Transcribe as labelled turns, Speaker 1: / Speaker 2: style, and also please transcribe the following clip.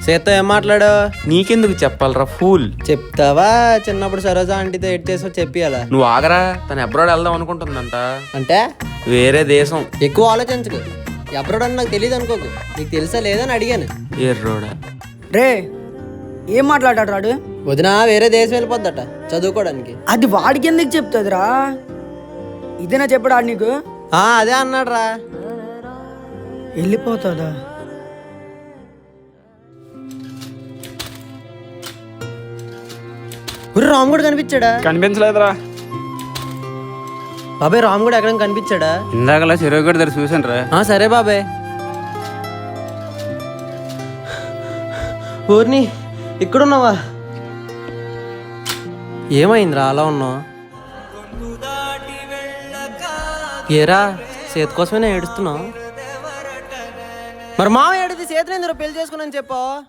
Speaker 1: సీత ఏం మాట్లాడు?
Speaker 2: నీకెందుకు చెప్పాలరా ఫూల్.
Speaker 1: చెప్తావా? చిన్నప్పుడు సరోజా ఆంటీతో ఎడ్ చేసో చెప్పియాలా?
Speaker 2: నువ్వు ఆగరా, తను అబ్రాడ్ వెళ్దాం అనుకుంటుందంట.
Speaker 1: అంటే
Speaker 2: వేరే దేశం.
Speaker 1: ఎక్కువ ఆలోచించకు. ఎప్పుడు అని నాకు తెలియదు అనుకోకు. నీకు తెలుసా లేదని అడిగాను.
Speaker 2: ఎర్రోడా.
Speaker 3: రే ఏం మాట్లాడాడు రాడు?
Speaker 1: వదిన వేరే దేశం వెళ్ళిపోద్దట చదువుకోవడానికి.
Speaker 3: అది వాడికి ఎందుకు చెప్తుందిరా? ఇదేనా చెప్పడా నీకు?
Speaker 1: అదే అన్నాడు రా.
Speaker 3: వెళ్ళిపోతుందా?
Speaker 1: రామ్ కూడా కనిపించాడా?
Speaker 2: కనిపించలేదురా.
Speaker 1: బాబాయ్ రామ్ కూడా ఎక్కడ కనిపించాడా?
Speaker 2: ఇందాకలా చెరువుగడ దగ్గర చూసాను రా.
Speaker 1: సరే బాబాయ్. ఊరిని ఇక్కడున్నావా? ఏమైందిరా అలా ఉన్నావు? ఏరా సేతు కోసమే ఏడుస్తున్నావు? మరి మామ ఏడిది సేతులు ఎందుకు పెళ్లి చేసుకున్నాను చెప్పు.